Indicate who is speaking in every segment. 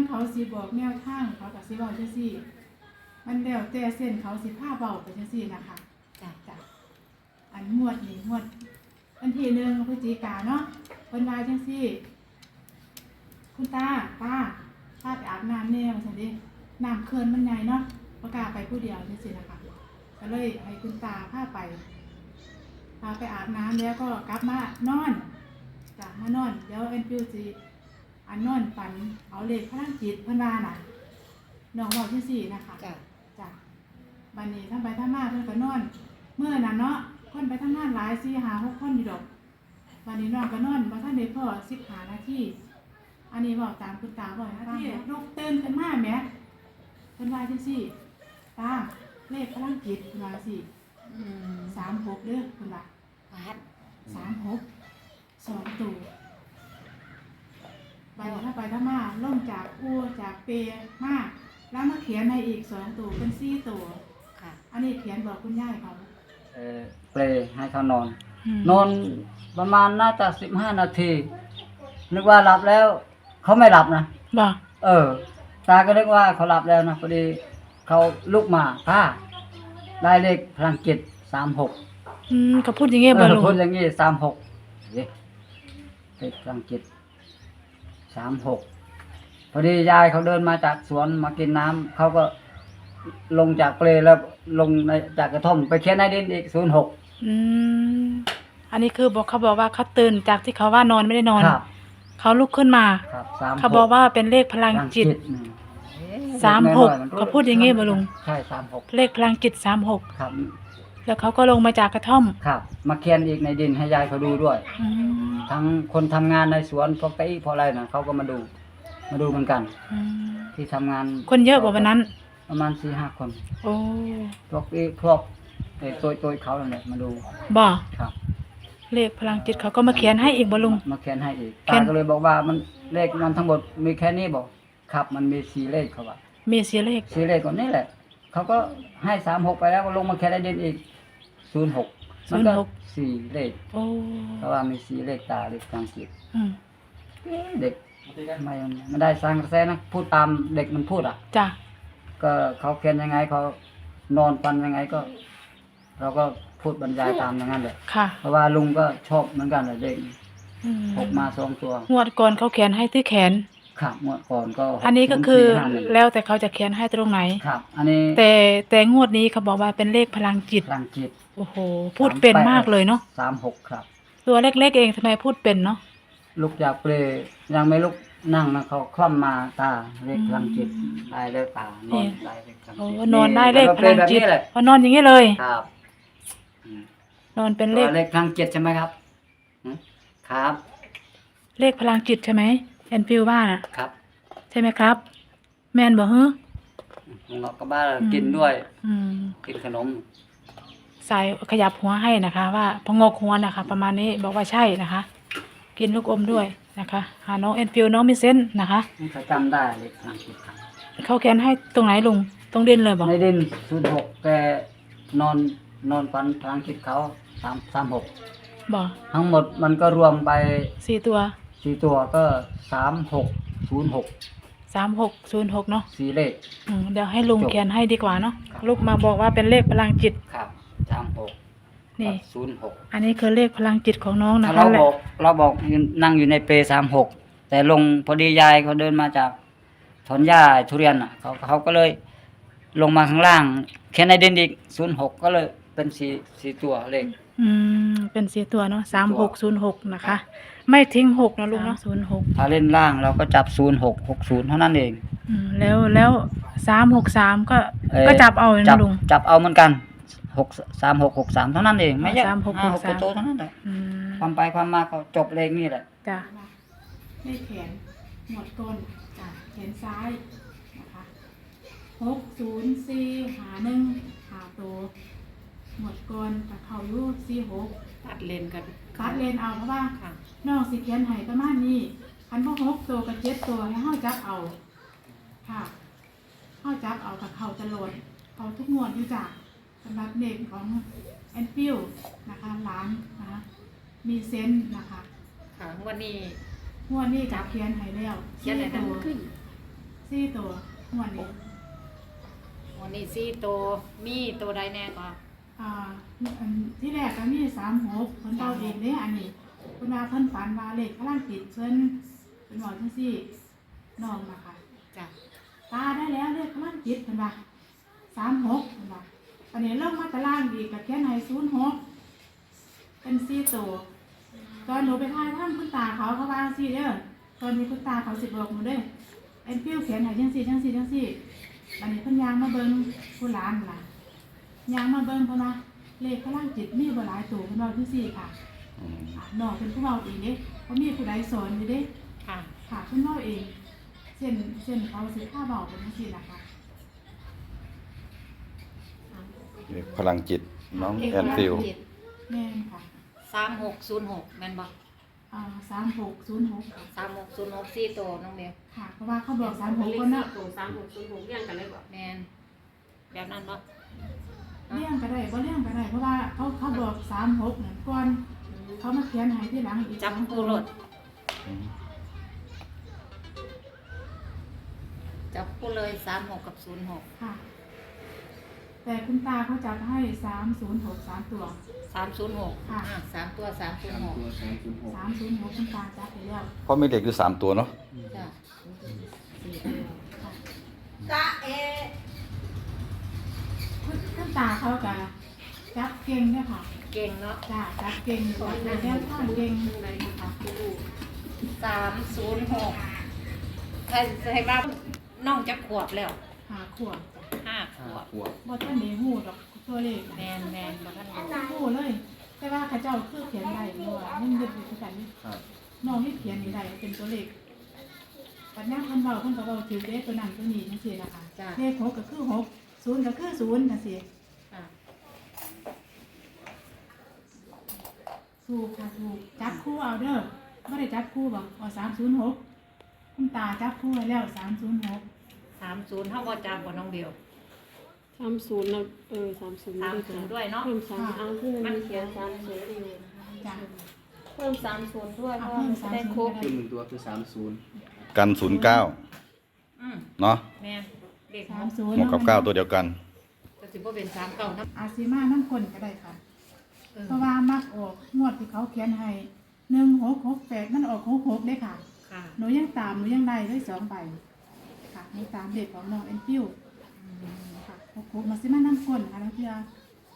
Speaker 1: เขาสิบอกแนวทางเขากับสิเว้าจังซี่มันแล้วแต่เส้นเขาสิพาเว้าไปจังซี่นะคะจ้ะอันงวดนี้งวดวันที่1พฤศจิกายนเนาะเพิ่นว่าจังซี่คุณตาพาไปอาบน้ำแน่ว่าซั่นเด้น้ำเขื่อนมันใหญ่เนาะบ่กล้าไปผู้เดียวจังซี่นะคะก็เลยให้คุณตาพาไปอาบน้ำแล้วก็กลับมานอนจ้ะมานอนเดี๋ยวเอ็นฟิวสิอันนอนฝันเอาเลขพลังจิตเพิ่นว่าน่ะน้องเว้าจังซี่นะคะจ้ะบัดนี้ทำไปทำมาเพิ่นก็นอนเมื่อนั้นเนาะคนไปทำงานหลาย4 5 6คนอยู่ดอกบัดนี้น้องก็นอนบ่ทันได้พอ15 นาทีอันนี้เว้าตามคุณตาบ่นะที่ลุกตื่นขึ้นมาแหมเพิ่นว่าจังซี่ตาเลขพลังจิตเพิ่นว่าจังซี่36เด้อเพิ่นว่า36 2ตัวไปถ้าไปถ้ามาล่มจากจากเปมาแล้วมาเขียนให้อีก2ตัวเป็น4ตัวค่ะอันนี้เขียนบอกคุณย่ายเขา
Speaker 2: เปลให้เขานอนประมาณน่าจะ15 นาทีนึกว่าหลับแล้วเขาไม่หลับนะ
Speaker 1: บ่
Speaker 2: ตาก็นึกว่าเขาหลับแล้วนะพอดีเขาลุกมาป้าได้เลขพลังจิต36
Speaker 1: ก็พูดอย่างงี้บ่ลุง
Speaker 2: พูดอย่างงี้36เลขพลังจิต36พอดียายเขาเดินมาจากสวนมากินน้ำเขาก็ลงจากเปลแล้วลงจากกระท่อมไปเขียนในดินอีก06
Speaker 1: อันนี้คือเขาบอกว่าเขาตื่นจากที่เขาว่านอนไม่ได้นอนเขาลุกขึ้นมาเขาบอกว่าเป็นเลขพลังจิต36เขาพูดอย่างงี้บ่ลุง
Speaker 2: ใช่36
Speaker 1: เลขพลังจิต36
Speaker 2: ครับ
Speaker 1: แล้วเขาก็ลงมาจากกระท่อม
Speaker 2: ครับมาเขียนอีกในดินให้ยายเขาดูด้วยทั้งคนทำงานในสวนพวกไก่พออะไรนะเขาก็มาดูเหมือนกันที่ทำงาน
Speaker 1: คนเยอะกว่าวันนั้น
Speaker 2: ประมาณ 4-5 คน
Speaker 1: โอ้
Speaker 2: พวกตัวเขาเนี่ยมาดู
Speaker 1: บ่
Speaker 2: ครับ
Speaker 1: เลขพลังจิตเขาก็มาเขียนให้อีกบ่ลุง
Speaker 2: มาเขียนให้อีกตาก็เลยบอกว่ามันเลขมันทั้งหมดมีแค่นี้บอกครับมันมี4เลขเขาว่า
Speaker 1: มี4เลข
Speaker 2: ก่อนนี่แหละเขาก็ให้36ไปแล้วก็ลงมาเขียนในดินอีก06มันก็4เลข
Speaker 1: โอ้
Speaker 2: เพราะว่ามี4เลขตาเลขพลังจิตเด็กไม่ได้สร้างกระแสนะพูดตามเด็กมันพูด
Speaker 1: จ้ะ
Speaker 2: ก็เขาเขียนยังไงเขานอนปันยังไงก็เราก็พูดบรรยายตามอย่างนั้นเลยเพราะว่าลุงก็ชอบเหมือนกันเลยเด็ก6 มา 2 ตัว
Speaker 1: งวดก่อนเขาเขียนให้ที่แขน
Speaker 2: ครับงวดก่อนก็
Speaker 1: อันนี้ก็คือแล้วแต่เขาจะเขียนให้ตรงไหน
Speaker 2: ครับอันนี้
Speaker 1: แต่งวดนี้เขาบอกว่าเป็นเลขพลังจิตโอ้โหพูดเป็นมากเลยเนาะ
Speaker 2: 36ครับ
Speaker 1: ตัวเล็กๆเองทำไมพูดเป็นเนาะ
Speaker 2: ลุกจากเปลยังไม่ลุกนั่งนะเขาคล่อมมาตาเลขพลังจิตได้เลขตานอนได้เลขพลังจิต
Speaker 1: นอนได้เลขพลังจิตพอนอนอย่างนี้เลย
Speaker 2: ครับ
Speaker 1: นอนเป็นเลข
Speaker 2: พลังจิตใช่ไหมครับครับ
Speaker 1: เลขพลังจิตใช่ไหมแอนฟิวบ้าน
Speaker 2: ครับ
Speaker 1: ใช่ไหมครับแมนบอก
Speaker 2: เราก็บ้านกินด้วยกินขนม
Speaker 1: สายขยับหัวให้นะคะว่าพงกหัวนะคะประมาณนี้บอกว่าใช่นะคะกินลูกอมด้วยนะคะหาน้องแอนฟิวน้องมิเซนนะคะ
Speaker 2: เขาจำได้เลยพลังจิต
Speaker 1: เขาเขียนให้ตรงไหนลุงตรงดินเลยบอก
Speaker 2: ในดิน06แต่นอนปันพลังจิตเขา36
Speaker 1: บอก
Speaker 2: ทั้งหมดมันก็รวมไป
Speaker 1: 4 ตัว
Speaker 2: ก็3606
Speaker 1: เนาะ
Speaker 2: 4เลข
Speaker 1: เดี๋ยวให้ลุงเขียนให้ดีกว่าเนาะลูกมาบอกว่าเป็นเลขพลังจิต
Speaker 2: ครับ36
Speaker 1: นี่
Speaker 2: 06
Speaker 1: อันนี้คือเลขพลังจิตของน้องนะคะ
Speaker 2: เราบอกนั่งอยู่ในเป36แต่ลงพอดียายเขาเดินมาจากถอนหญ้าทุเรียนเขาก็เลยลงมาข้างล่างเขียนในดินอีก06ก็เลยเป็น4ตัวเลข
Speaker 1: เป็น4ตัวเนาะ3606นะคะไม่ทิ้ง6นะลุงเนาะ06
Speaker 2: ถ้าเล่นล่างเราก็จับ0660เท่านั้นเอง
Speaker 1: แล้ว363ก็จับเอานะลุง
Speaker 2: จับเอาเหมือนกัน3663เท่านั้นเองไม่เยอะ6ตัวเท่านั้นแหละความไปความมาก็จบเลขนี่แหละ
Speaker 1: จ้ะเลขแขนหมดต้นจ้ะแขนซ้ายนะคะ604หา1หาตัวหมดก่อนกับเขาอยู่46
Speaker 3: ตัดเลนกัน
Speaker 1: ตัดเลนเอาเพราะว่าน้องสิเขียนให้ประมาณนี้คันบ่6ตัวกับ7ตัวให้เฮาจับเอาค่ะเฮาจับเอากับเขาตลอดเขาทุกงวดอยู่จ้ะสำหรับเด็กของแอนฟิวนะคะหลานนะคะมีเซนส์นะคะ
Speaker 3: ค่ะวันนี้
Speaker 1: จับเขียนให้แล้ว
Speaker 3: เขียนให้ตัว
Speaker 1: 4ตัวงวดนี้
Speaker 3: วันนี้สี่ตัวมีตัวใดแน่ก็
Speaker 1: อันที่แรกก็มี36เพิ่นเว้าเองเด้อันนี้เพิ่นว่าเพิ่นฝันว่าเลขพลังจิตเพิ่นบอกจังซี่น้องนะคะ
Speaker 3: จ้ะ
Speaker 1: ตาได้แล้วเลขพลังจิตเพิ่นว่า36เพิ่นว่าอันนี้ลงมาตารางอีกก็เขียนให้06เป็น4ตัวตอนหนูไปถ่ายทำคุณตาเขาว่าจังซี่เด้อตอนนี้คุณตาเขาสิบอกหนูเด้อเอ็นฟิวเขียนให้จังซี่อันนี้เพิ่นย่างมาเบิ่งผู้หลานล่ะย่างมาเบิ่งเพิ่นว่าเลขพลังจิตมีบ่หลายตัวเพิ่นเว้าจังซี่ค่ะน้องเป็นผู้เว้าเองเด้บ่มีผู้ใดสอนอยู่เด้
Speaker 3: ค่ะ
Speaker 1: ค่ะเพิ่นเว้าเองเส้นเขาสิพาเว้าเป็นจังซี่ล่ะค่ะ
Speaker 4: พลังจิตน้องแอนฟิล
Speaker 1: แม่นค่ะ
Speaker 3: 3606แม่นบ่
Speaker 1: 3606ค่ะ
Speaker 3: 3606สี่ตัวน้องเบล
Speaker 1: ค่ะเพราะว่าเขาบอก36คนเนาะ
Speaker 5: 3606เรียงกันเลยบ่
Speaker 3: แม่นแบบนั้นบ่
Speaker 1: เลี้ยงก็ได้บ่เลี้ยงก็ได้เพราะว่าเขาบอก36นั่นก่อนเขามาเขียนให้ทีหลังอีก
Speaker 3: จับ
Speaker 1: 2
Speaker 3: คู่รถจับคู่เลย36กับ06
Speaker 1: ค่ะ แต่คุณตาเขาจับให้306 3ตัว
Speaker 3: 306
Speaker 1: ค่ะ
Speaker 3: 3ตัว306
Speaker 1: 306คุณตาจับไปแล้ว
Speaker 4: เพราะมีเด็กอยู่3ตัวเนาะ
Speaker 3: จ้ะ
Speaker 1: ค่ะคุณตาเขาก็จับเก่งเนี่ยค่ะ
Speaker 3: เก่งเนาะ
Speaker 1: จ้าจับเก่งจับในแนวทางเก่งค่ะ
Speaker 3: 306ใครว่าน้องจะขวบแล้ว
Speaker 1: 5 ขวบ
Speaker 3: 5 ขวบ
Speaker 1: บ่ทันได้ฮู้ดอกตัวเลข
Speaker 3: แม่นบ่ทันรู้
Speaker 1: ฮู้เลย แต่ว่าเขาเจ้าคือเขียนได้อยู่ว่ายังยึดอยู่คือกันน้องนี่เขียนนี่ได้เป็นตัวเลขปัญญาเพิ่นเว้าเพิ่นก็เว้าถือเลขตัวนั้นตัวนี้จังซี่นะคะ
Speaker 3: จ้ะ
Speaker 1: เลข6ก็คือ6 0ก็คือ0จังซี่
Speaker 3: ค่ะ
Speaker 1: ถูกค่ะถูกจับคู่เอาเด้อบ่ได้จับคู่บ่เอา306คุณตาจับคู่ไว้แล้ว306
Speaker 3: 30เฮาบ่จับบ่น้องเบล
Speaker 5: 30นะ30
Speaker 3: 30ด้วยเนาะ
Speaker 5: เพิ่ม3เอาคือมันเขียน30อยู่
Speaker 1: จ้ะ
Speaker 5: เพิ่ม30ด้วยเพ
Speaker 1: เอา
Speaker 5: ราะ
Speaker 1: เพิ่ม
Speaker 5: จะได้ครบ
Speaker 6: คือ1ตัวคือ30
Speaker 4: กัน09
Speaker 3: อืม
Speaker 4: เนาะ
Speaker 3: แม่นเด็ก
Speaker 1: 30
Speaker 4: 6กับ9ตัวเดียวกัน
Speaker 3: ก็สิบ่เป็น3เก่านะ
Speaker 1: อาซิมาน้ำคนก็ได้ค่ะ
Speaker 3: เออ
Speaker 1: เพราะว่ามักออกงวดที่เขาเขียนให้1668มันออก66เด้ค่ะ
Speaker 3: ค่ะ
Speaker 1: หนูยังตามหนูยังได้ด้วย2ใบค่ะหนูตามเด็กของน้องเอ็นฟิวค่ะ66มาซิมาน้ำคนค่ะนักเรียน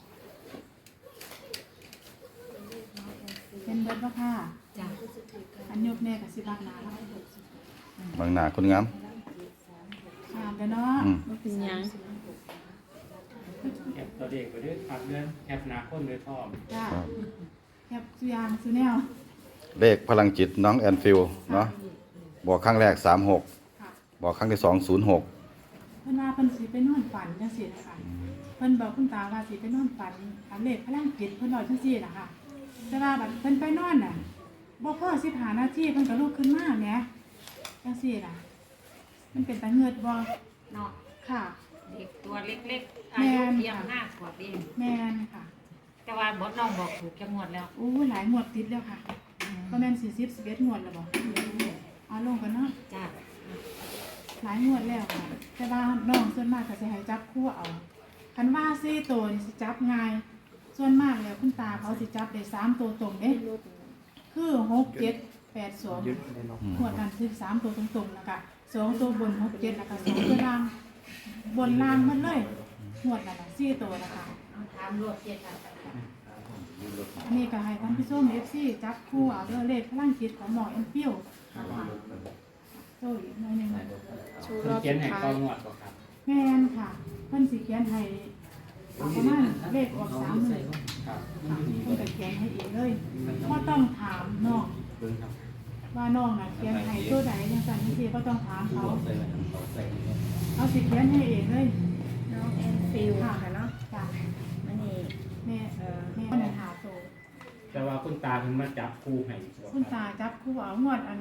Speaker 1: เป็นเบิดบ่ค่ะ
Speaker 3: จ้ะ
Speaker 1: อันยกแม่กับสิบักหนาแล้ว
Speaker 4: บางหน้าคนงาม
Speaker 1: อ่านกันเนาะ
Speaker 5: บ่เป็นหยัง
Speaker 6: แคปตัวเด็กไปด้วยพักเดือนแคปหนาคนด้วยท่อม
Speaker 1: จ้าแคบสุยางสุแนว
Speaker 4: เลขพลังจิตน้องแอนฟิลเนาะบอกครั้งแรก36
Speaker 1: ค่ะ
Speaker 4: บอกครั้งที่2 06
Speaker 1: เพิ่นว่าเพิ่นสิไปนอนฝันจังซี่นะคะเพิ่นบอกคุณตาว่าสิไปนอนฝันอันเลขพลังจิตเพิ่นบอกจังซี่น่ะค่ะแต่ว่าบัดเพิ่นไปนอนน่ะบ่พอ15นาทีเพิ่นก็ลุกขึ้นมาแหมจังซี่น่ะมันเป็นตาเงือดบ่
Speaker 3: เนาะ
Speaker 1: ค่ะ
Speaker 3: เด็กตัวเล็กๆอายุเพียง5ขวบเอง
Speaker 1: แม่นค่ะ
Speaker 3: แต่ว่าบ่น้องบอกถูกจังหวัดแล้ว
Speaker 1: อู้หลายงวดติดแล้วค่ะประมาณ40 11งวดแล้วบ่เอาลงกันเนาะ
Speaker 3: จ้ะ
Speaker 1: หลายงวดแล้วค่ะแต่ว่าน้องส่วนมากก็สิให้จับคู่เอาคันว่า4ตัวนี่สิจับง่าย ส่วนมากแล้วคุณตาเขาสิจับได้3ตัวตรงเด้คือ6 7 8 2งวดนั้นคือ3ตัวตรงๆแล้วก็2ตัวบน6 7แล้วก็2ตัวล่างบนล่างหมดเลยงวดนั้นน่ะ4ตัวนะคะ
Speaker 3: ถามรวดเจ็ดค่ะ
Speaker 1: อันนี้ก็ให้ท่านผู้ชม FC จับคู่เอาเด้อเลขพลังจิตของหมอเอ็นฟิวนะคะโอ้ยหน่อยหนึง
Speaker 5: ชูร
Speaker 6: เพิ่น
Speaker 5: อบ
Speaker 6: เขียน
Speaker 5: สุด
Speaker 6: ให้
Speaker 5: ท้า
Speaker 6: ก้อย นวดบ่ครับ
Speaker 1: แม่นค่ะเพิ่นสิเขียนให้เอาประมาณเลขออก3มื้อ
Speaker 6: ครับ
Speaker 1: ค่ะเพิ่นก็เขียนให้เองเลยบ่ต้องถามน้อง
Speaker 6: เบิ่งครับ
Speaker 1: ว่าน้องน่ะเขียนให้ตัวใดจังซั่นจังซี่บ่ต้องถามเขาเขาสิเขียนให้เองเลย
Speaker 5: น้องแอนฟิลค่ะเนาะ
Speaker 1: จ้ะ
Speaker 5: อันนี้
Speaker 1: แม่แม่น่ะหาโต
Speaker 6: แต่ว่าคุณตาเพิ่นมาจับคู่ให้บ่
Speaker 1: คุณ
Speaker 6: ครั
Speaker 1: ตา
Speaker 6: บ
Speaker 1: จับคู่เอางวดอัน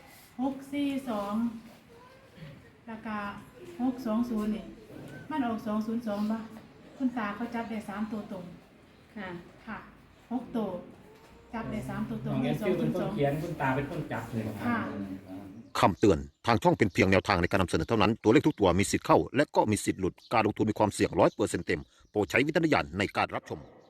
Speaker 1: 642แล้วก็620นี่มันออก202ป่ะคุณตาเขาจับได้3ตัวตรง
Speaker 5: ค่ะ
Speaker 1: ค่ะ6ตัวจับได้3ตัวตร
Speaker 6: น้
Speaker 1: ง
Speaker 6: องแอ
Speaker 1: ได้
Speaker 6: นฟิลเป็นคนเขีย
Speaker 1: 202
Speaker 6: นคุณตาเป็นคนจับเลยบ่ครั
Speaker 1: ค่ะ
Speaker 6: บ
Speaker 7: คำเตือน ทางช่องเป็นเพียงแนวทางในการนำเสนอเท่านั้น ตัวเลขทุกตัวมีสิทธิ์เข้า และก็มีสิทธิ์หลุด การลงทุนมีความเสี่ยง100%เต็ม โปรดใช้วิจารณญาณในการรับชม